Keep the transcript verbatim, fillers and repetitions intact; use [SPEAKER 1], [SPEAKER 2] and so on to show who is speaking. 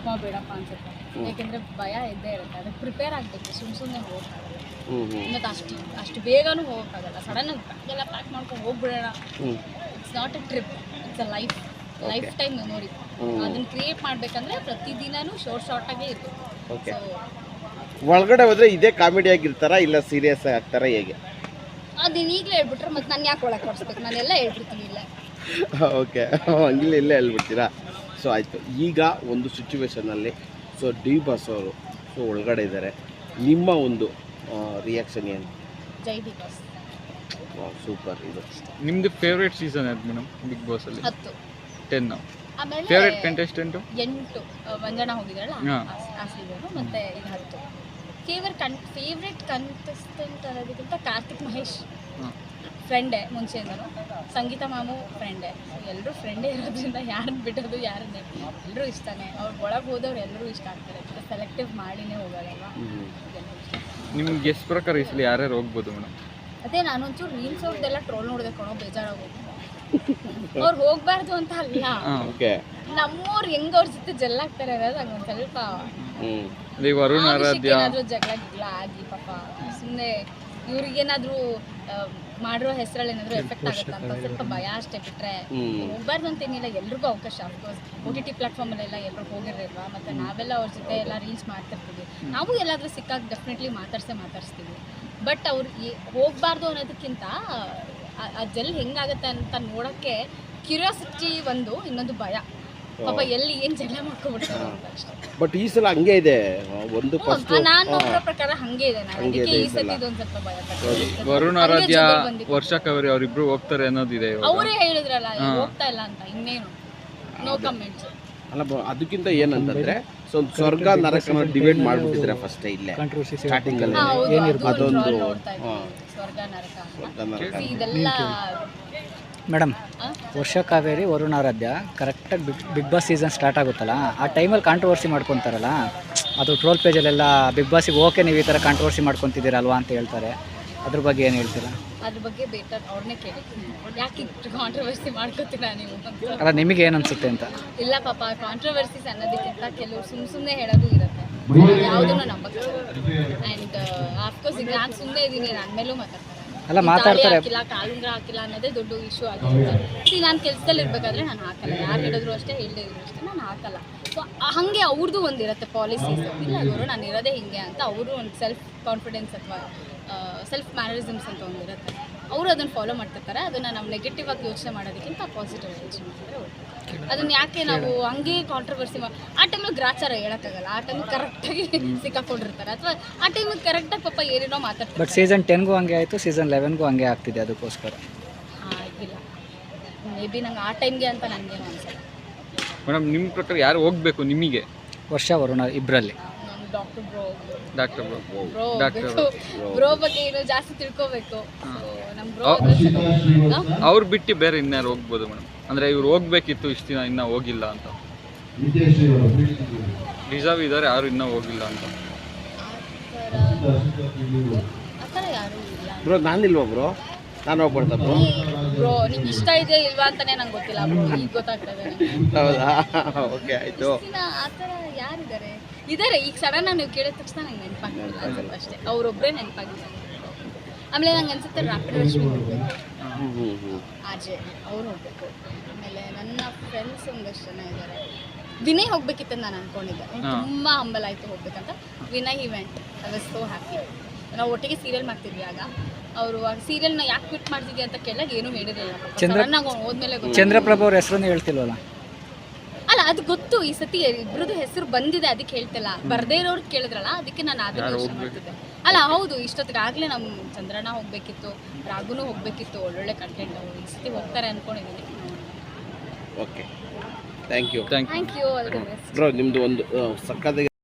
[SPEAKER 1] ಅಮ್ಮ ಬೇಡಪ್ಪ ಅನ್ಸುತ್ತೆ. ಯಾಕೆಂದರೆ ಭಯ ಇದ್ದೇ ಇರುತ್ತೆ, ಅದಕ್ಕೆ ಪ್ರಿಪೇರ್ ಆಗಬೇಕು. ಸುಮ್ಮ ಸುಮ್ಮನೆ ಹೋಗೋಕ್ಕಾಗಲ್ಲ, ಮತ್ತು ಅಷ್ಟು ಅಷ್ಟು ಬೇಗನೂ ಹೋಗೋಕ್ಕಾಗಲ್ಲ. ಸಡನ್ನಾಗಿ ಬ್ಯಾಗೆಲ್ಲ ಪ್ಯಾಕ್ ಮಾಡ್ಕೊಂಡು ಹೋಗ್ಬಿಡೋಣ. It's not a trip, it's a life lifetime memory. ಅದನ್ನು ಕ್ರಿಯೇಟ್ ಮಾಡಬೇಕಂದ್ರೆ ಪ್ರತಿದಿನನೂ ಶಾರ್ಟ್ ಶಾರ್ಟಾಗೇ ಇರಬೇಕು. ಸೊ
[SPEAKER 2] ಒಳಗಡೆ ಹೋದರೆ ಇದೇ ಕಾಮಿಡಿ ಆಗಿರ್ತಾರಾ ಇಲ್ಲ ಸೀರಿಯಸ್ ಆಗ್ತಾರಾ ಹೇಗೆ?
[SPEAKER 1] ಅದನ್ನ ಈಗಲೇ ಹೇಳ್ಬಿಟ್ರೆ ಮತ್ತೆ ನಾನು ಯಾಕೆ ಒಳಗೆ ಕೊಡಿಸ್ಬೇಕು? ನಾನೆಲ್ಲ ಹೇಳ್ಬಿಡ್ತೀನಿ ಇಲ್ಲ.
[SPEAKER 2] ಓಕೆ, ಹಂಗಿಲ್ಲ ಇಲ್ಲೇ ಹೇಳ್ಬಿಡ್ತೀರಾ. ಸೊ ಆಯಿತು, ಈಗ ಒಂದು ಸಿಚುವೇಶನಲ್ಲಿ ಸೊ ಡಿ ಬಾಸ್ ಅವರು ಸೊ ಒಳಗಡೆ ಇದ್ದಾರೆ, ನಿಮ್ಮ ಒಂದು ರಿಯಾಕ್ಷನ್ ಏನು?
[SPEAKER 1] ಜೈ ಡಿ ಬಾಸ್.
[SPEAKER 2] ಸೂಪರ್. ಇದು
[SPEAKER 3] ನಿಮ್ಮದು ಫೇವ್ರೇಟ್ ಸೀಸನ್ ಯಾವ್ದು ಮೇಡಮ್ ಬಿಗ್ ಬಾಸಲ್ಲಿ?
[SPEAKER 1] ಹತ್ತು.
[SPEAKER 3] ಟೆನ್.
[SPEAKER 1] ಆಮೇಲೆ
[SPEAKER 3] ಫೇವ್ರೇಟ್ ಕಂಟೆಸ್ಟೆಂಟು?
[SPEAKER 1] ಎಂಟು. ಮಂಜಣ್ಣ ಹೋಗಿದ್ರಲ್ಲ
[SPEAKER 3] ಹಾ.
[SPEAKER 1] ಆ ಸೀಸನು, ಮತ್ತು ಇದು ಹತ್ತು. ಫೇವರ್ ಕನ್ ಫೇವ್ರೆಟ್ ಕಂಟೆಸ್ಟೆಂಟ್ ಅನ್ನೋದಕ್ಕಿಂತ ಕಾರ್ತಿಕ್ ಮಹೇಶ್ ಫ್ರೆಂಡೇ ಮುಂಚೆಯಿಂದನು. ಸಂಗೀತ ಮಾಮು ಫ್ರೆಂಡೇ. ಎಲ್ಲರೂ ಫ್ರೆಂಡೇ ಇರೋದ್ರಿಂದ ಯಾರನ್ನ ಬಿಡೋದು ಯಾರನ್ನೇ ಎಲ್ಲರೂ ಇಷ್ಟನೇ. ಅವ್ರು ಒಳಗೆ ಹೋದವ್ರು ಎಲ್ಲರೂ ಇಷ್ಟ ಆಗ್ತಾರೆ. ಸೆಲೆಕ್ಟಿವ್ ಮಾಡಿನೇ ಹೋಗೋದಲ್ವ.
[SPEAKER 3] ನಿಮ್ಗೆ ಗೆಸ್ ಪ್ರಕಾರ ಈ ಸಲ ಯಾರ್ಯಾರು ಹೋಗ್ಬೋದು ಮೇಡಮ್?
[SPEAKER 1] ಅದೇ ನಾನೊಂಚೂರು ರೀಲ್ಸ್ ಅವ್ರದ್ದೆಲ್ಲ ಟ್ರೋಲ್ ನೋಡಿದೆ ಕಣೋ, ಬೇಜಾರಾಗೋದು. ಅವ್ರು ಹೋಗ್ಬಾರ್ದು ಅಂತ ಅಲ್ಲ, ನಮ್ಮವ್ರು ಹೆಂಗ್ ಅವ್ರ ಜೊತೆ ಜಲ್ಲಾಗ್ತಾರೆ ಅನ್ನೋದು ಹಂಗೊಂದು ಸ್ವಲ್ಪ
[SPEAKER 3] ವರುಣ್ ಆರಾಧ್ಯ
[SPEAKER 1] ಏನಾದರೂ ಜಗಳ ಗಿಗ್ಲ ಆಗಿ ಪಾಪ ಸುಮ್ಮನೆ ಇವ್ರಿಗೇನಾದರೂ ಮಾಡಿರೋ ಹೆಸರಲ್ಲಿ ಏನಾದರೂ ಎಫೆಕ್ಟ್ ಆಗುತ್ತೆ ಅಂತ ಸ್ವಲ್ಪ ಭಯ ಅಷ್ಟೇ. ಬಿಟ್ಟರೆ ಹೋಗ್ಬಾರ್ದು ಅಂತೇನಿಲ್ಲ, ಎಲ್ರಿಗೂ ಅವಕಾಶ. ಅಫ್ಕೋರ್ಸ್ ಓ ಟಿ ಟಿ ಪ್ಲಾಟ್ಫಾರ್ಮಲ್ಲೆಲ್ಲ ಎಲ್ಲರೂ ಹೋಗಿರಲ್ವಾ, ಮತ್ತು ನಾವೆಲ್ಲ ಅವ್ರ ಜೊತೆ ಎಲ್ಲ ರೀಲ್ಸ್ ಮಾಡ್ತಿರ್ತೀವಿ. ನಾವು ಎಲ್ಲಾದರೂ ಸಿಕ್ಕಾಗ ಡೆಫಿನೆಟ್ಲಿ ಮಾತಾಡ್ಸೇ ಮಾತಾಡ್ಸ್ತೀವಿ. ಬಟ್ ಅವ್ರು ಹೋಗಬಾರ್ದು ಅನ್ನೋದಕ್ಕಿಂತ ಆ ಜಲ್ ಹೆಂಗಾಗತ್ತೆ ಅಂತ ನೋಡೋಕ್ಕೆ ಕ್ಯೂರಿಯಾಸಿಟಿ ಒಂದು, ಇನ್ನೊಂದು ಭಯ. ಪಾಪ ಎಲ್ಲಿ ಏನು ಜಗಳ ಮಾಡ್ಕೊಬಿಡ್ತಾರೆ ಅಂತ ಅಷ್ಟೇ.
[SPEAKER 2] ಬಟ್ ಈ ಸಲ ಹಂಗೆ ಇದೆ. ಒಂದು
[SPEAKER 1] ನಾನು ನೋಡೋ ಪ್ರಕಾರ ಹಂಗೆ ಇದೆ. ನಾನು ಅದಕ್ಕೆ ಈ ಸತಿ ಇದೊಂದು ಸ್ವಲ್ಪ ಭಯ ಪಡ್ತೀನಿ.
[SPEAKER 3] ವರುಣ್ ಆರಾಧ್ಯ, ವರ್ಷ ಕವರಿ ಅವರಿಬ್ರು ಹೋಗ್ತಾರೆ ಅನ್ನೋದಿದೆ.
[SPEAKER 1] ಅವರೇ ಹೇಳಿದ್ರಲ್ಲ ಹೋಗ್ತಾ ಇಲ್ಲ ಅಂತ, ಇನ್ನೇನು ನೋ ಕಮೆಂಟ್ಸ್.
[SPEAKER 2] ಅಲ್ಲ, ಅದಕ್ಕಿಂತ ಏನಂತಂದ್ರೆ ಸೊ ಸ್ವರ್ಗ ನರಕನ ಡಿವೈಡ್ ಮಾಡ್ಬಿಟ್ಟಿದ್ರೆ ಫಸ್ಟ್ ಇಲ್ಲೇ ಸ್ಟಾರ್ಟಿಂಗ್ ಅಲ್ಲಿ ಅದೊಂದು
[SPEAKER 1] ಸ್ವರ್ಗ ನರಕ ಇದೆಲ್ಲ.
[SPEAKER 4] ಮೇಡಮ್, ವರ್ಷ ಕಾವೇರಿ ವರುಣ್ ಆರಾಧ್ಯ ಕರೆಕ್ಟಾಗಿ big big boss season start ಆಗುತ್ತಲ್ಲ, ಆ ಟೈಮಲ್ಲಿ ಕಾಂಟ್ರವರ್ಸಿ ಮಾಡ್ಕೊತಾರಲ್ಲ, ಅದು ಟ್ರೋಲ್ ಪೇಜಲ್ಲೆಲ್ಲ ಬಿಗ್ ಬಾಸಿಗೆ ಓಕೆ ನೀವು ಈ ಥರ ಕಾಂಟ್ರವರ್ಸಿ ಮಾಡ್ಕೊತಿದ್ದೀರಲ್ವಾ ಅಂತ ಹೇಳ್ತಾರೆ. ಅದ್ರ ಬಗ್ಗೆ ಏನು ಹೇಳ್ತೀರಾ?
[SPEAKER 1] ಅದ್ರ ಬಗ್ಗೆ ಬೇಟರ್ ಅವ್ರನ್ನೇ ಕೇಳಿ, ಯಾಕೆ ಕಾಂಟ್ರವರ್ಸಿ ಮಾಡ್ಕೋತೀರಾ ನೀವು ಅಂತ.
[SPEAKER 4] ಅಲ್ಲ, ನಿಮಗೆ ಏನು ಅನಿಸುತ್ತೆ ಅಂತ.
[SPEAKER 1] ಇಲ್ಲ ಪಾಪ, ಕಾಂಟ್ರವರ್ಸೀಸ್ ಅನ್ನೋದಕ್ಕಿಂತ ಕೆಲವರು ಸುಮ್ಮ ಸುಮ್ಮನೆ ಹೇಳೋದು ಇರುತ್ತೆ, ಯಾವುದನ್ನು ನಂಬಕ್ಕೆ. ಆ್ಯಂಡ್ ಆಫ್ಕೋರ್ಸ್ ಈಗ ನಾನು ಸುಮ್ಮನೆ ಇದ್ದೀನಿ, ನನ್ನ ಮೇಲೂ ಮಾತಾಡ್ತಾರೆ.
[SPEAKER 4] ಅಲ್ಲ, ಮಾತಾಡ್ತಾರೆ.
[SPEAKER 1] ಹಾಕಿಲ್ಲ, ಕಾಲುಂಗ್ರ ಹಾಕಿಲ್ಲ ಅನ್ನೋದೇ ದೊಡ್ಡ ಇಶ್ಯೂ ಆಗಿರುತ್ತೆ. ನಾನು ಕೆಲಸದಲ್ಲಿ ಇರಬೇಕಾದ್ರೆ ನಾನು ಹಾಕಲ್ಲ, ಯಾರು ಹೇಳಿದ್ರು ಅಷ್ಟೇ, ಹೇಳಿದ್ರು ಅಷ್ಟೇ, ನಾನು ಹಾಕಲ್ಲ. ಸೊ ಹಾಗೆ ಅವ್ರದ್ದು ಒಂದಿರುತ್ತೆ ಪಾಲಿಸೀಸ್. ಇಲ್ಲ ಅವರು ನಾನು ಇರೋದೇ ಹಿಂಗೆ ಅಂತ ಅವರು ಒಂದು ಸೆಲ್ಫ್ ಕಾನ್ಫಿಡೆನ್ಸ್ ಅಥವಾ ಸೆಲ್ಫ್ ಮ್ಯಾನರಿಸಮ್ಸ್ ಅಂತ ಒಂದಿರುತ್ತೆ. ಅವರು ಅದನ್ನು ಫಾಲೋ ಮಾಡ್ತಿರ್ತಾರೆ. ಅದನ್ನು ನಾವು ನೆಗೆಟಿವ್ ಆಗಿ ಯೋಚನೆ ಮಾಡೋದಕ್ಕಿಂತ ಪಾಸಿಟಿವ್ ಆಗಿ ಯೋಚನೆ ಮಾಡಿದ್ರೆ ಓಕೆ. ಅದನ್ನು ಯಾಕೆ ನಾವು ಹಂಗೆ ಕಾಂಟ್ರವರ್ಸಿ ಮಾಡಿ ಆ ಟೈಮಲ್ಲಿ ಗ್ರಾಚಾರ ಹೇಳೋಕ್ಕಾಗಲ್ಲ. ಆ ಟೈಮಿಗೆ ಕರೆಕ್ಟಾಗಿ ಸಿಕ್ಕಾಕೊಂಡಿರ್ತಾರೆ, ಅಥವಾ ಆ ಟೈಮಿಗೆ ಕರೆಕ್ಟಾಗಿ ಪಾಪ ಏನೇನೋ ಮಾತಾಡ್ತಾರೆ.
[SPEAKER 4] ಬಟ್ ಸೀಸನ್ ಟೆನ್ಗೂ ಹಂಗೆ ಆಯಿತು, ಸೀಸನ್ ಲೆವೆನ್ಗೂ ಹಂಗೆ ಆಗ್ತಿದೆ. ಅದಕ್ಕೋಸ್ಕರ
[SPEAKER 1] ಹಾಂ, ಇಲ್ಲ ಮೇ ಬಿ ನಂಗೆ ಆ ಟೈಮ್ಗೆ ಅಂತ ನನಗೇನು ಅನ್ಸಲ್ಲ.
[SPEAKER 3] ಮೇಡಮ್, ನಿಮ್ಮ ಪ್ರಕಾರ ಯಾರು ಹೋಗಬೇಕು ನಿಮಗೆ?
[SPEAKER 4] ವರ್ಷ ವರುಣ ಇಬ್ಬರಲ್ಲಿ.
[SPEAKER 1] Doctor bro
[SPEAKER 3] doctor bro
[SPEAKER 1] bro bro ಬಗ್ಗೆ ಏನೋ ಜಾಸ್ತಿ ತಿಳ್ಕೋಬೇಕು. ನಮ್ಮ ಬ್ರೋ
[SPEAKER 3] ಅವ್ರು ಬಿಟ್ಟು ಬೇರೆ ಇನ್ಯಾರು ಹೋಗ್ಬೋದು ಮೇಡಮ್? ಅಂದರೆ ಇವ್ರು ಹೋಗ್ಬೇಕಿತ್ತು, ಇಷ್ಟು ದಿನ ಇನ್ನೂ ಹೋಗಿಲ್ಲ ಅಂತ. ರಿಸರ್ವ್ ಇದ್ದಾರೆ, ಯಾರು ಇನ್ನೂ ಹೋಗಿಲ್ಲ ಅಂತ.
[SPEAKER 1] ಆ ಥರ ಯಾರೂ ಇಲ್ಲ
[SPEAKER 2] ಬ್ರೋ. ನಾನಿಲ್ವಾ ಬ್ರೋ? ನಾನು ಹೋಗ್ಬಿಡ್ತಾ ಬ್ರೋ.
[SPEAKER 1] ಬ್ರೋ ನಿಮ್ಗೆ ಇಷ್ಟ ಇದೆಯಾ ಇಲ್ವಾ ಅಂತಾನೆ ನಂಗೆ ಗೊತ್ತಿಲ್ಲ ಬ್ರೋ, ಈಗ ಗೊತ್ತಾಗ್ತದೆ.
[SPEAKER 2] ಹೌದಾ? ಓಕೆ, ಆಯಿತು.
[SPEAKER 1] ಆ ಥರ ಯಾರಿದ್ದಾರೆ? ಇದ್ದಾರೆ, ಈಗ ಸಡನ್ ನೀವು ಕೇಳಿದ ತಕ್ಷಣ ನಂಗೆ ನೆನಪಾಗಿಲ್ಲ ಅನ್ಸುತ್ತೆ ಅಷ್ಟೇ. ಅವರೊಬ್ಬರೇ ನೆನಪಾಗಿಲ್ಲ. ಆಮೇಲೆ ನಂಗೆ ಅನ್ಸುತ್ತೆ ರಾಪಿಡ್ ರಶ್ಮಿ ಹೋಗ್ಬೇಕು, ಆಜೆ ಅವ್ರು ಹೋಗ್ಬೇಕು. ಆಮೇಲೆ ನನ್ನ ಫ್ರೆಂಡ್ಸ್ ಒಂದಷ್ಟು ಜನ ಇದ್ದಾರೆ. ವಿನಯ್ ಹೋಗ್ಬೇಕಿತ್ತು ನಾನು ಅನ್ಕೊಂಡಿದ್ದೆ, ತುಂಬ ಹಂಬಲ್ ಆಯಿತು ಹೋಗ್ಬೇಕಂತ. Vinay event I was so happy. ನಾವು ಒಟ್ಟಿಗೆ ಸೀರಿಯಲ್ ಮಾಡ್ತಿದ್ವಿ ಆಗ. ಅವರು ಆ ಸೀರಿಯಲ್ನ ಯಾಕೆ ಕ್ವಿಟ್ ಮಾಡ್ತಿದ್ವಿ ಅಂತ ಕೇಳಿದಾಗ ಏನೂ ಹೇಳಿರಲಿಲ್ಲ. ಸಡನ್ನಾಗಿ ಹೋದ್ಮೇಲೆ
[SPEAKER 4] ಚಂದ್ರಪ್ರಭು ಅವ್ರ ಹೆಸರನ್ನು ಹೇಳ್ತಿಲ್ವಲ್ಲ?
[SPEAKER 1] ಅಲ್ಲ, ಅದು ಗೊತ್ತು. ಈ ಸತಿ ಇಬ್ಬರದ್ದು ಹೆಸರು ಬಂದಿದೆ, ಅದಕ್ಕೆ ಹೇಳ್ತಿಲ್ಲ. ಬರ್ದೇ ಇರೋರು ಕೇಳಿದ್ರಲ್ಲ, ಅದಕ್ಕೆ ನಾನು ಅದನ್ನ ಯೋಚನೆ ಮಾಡ್ತಿದ್ದೆ. ಅಲ್ಲ ಹೌದು, ಇಷ್ಟೊತ್ತಿಗೆ ಆಗಲೇ ನಮ್ಮ ಚಂದ್ರಣ್ಣ ಹೋಗಬೇಕಿತ್ತು, ರಾಘುನೂ ಹೋಗಬೇಕಿತ್ತು. ಒಳ್ಳೊಳ್ಳೆ ಕಂಟೆಂಟ್ ಅವರು ಈ ಸತಿ ಹೋಗ್ತಾರೆ ಅಂದ್ಕೊಂಡಿದ್ದೀನಿ.
[SPEAKER 2] Okay, thank you.
[SPEAKER 3] Thank
[SPEAKER 1] thank you. All the best
[SPEAKER 2] bro. ನಿಮ್ಮದು ಒಂದು ಸಕ್ಕತ್ತಾಗಿ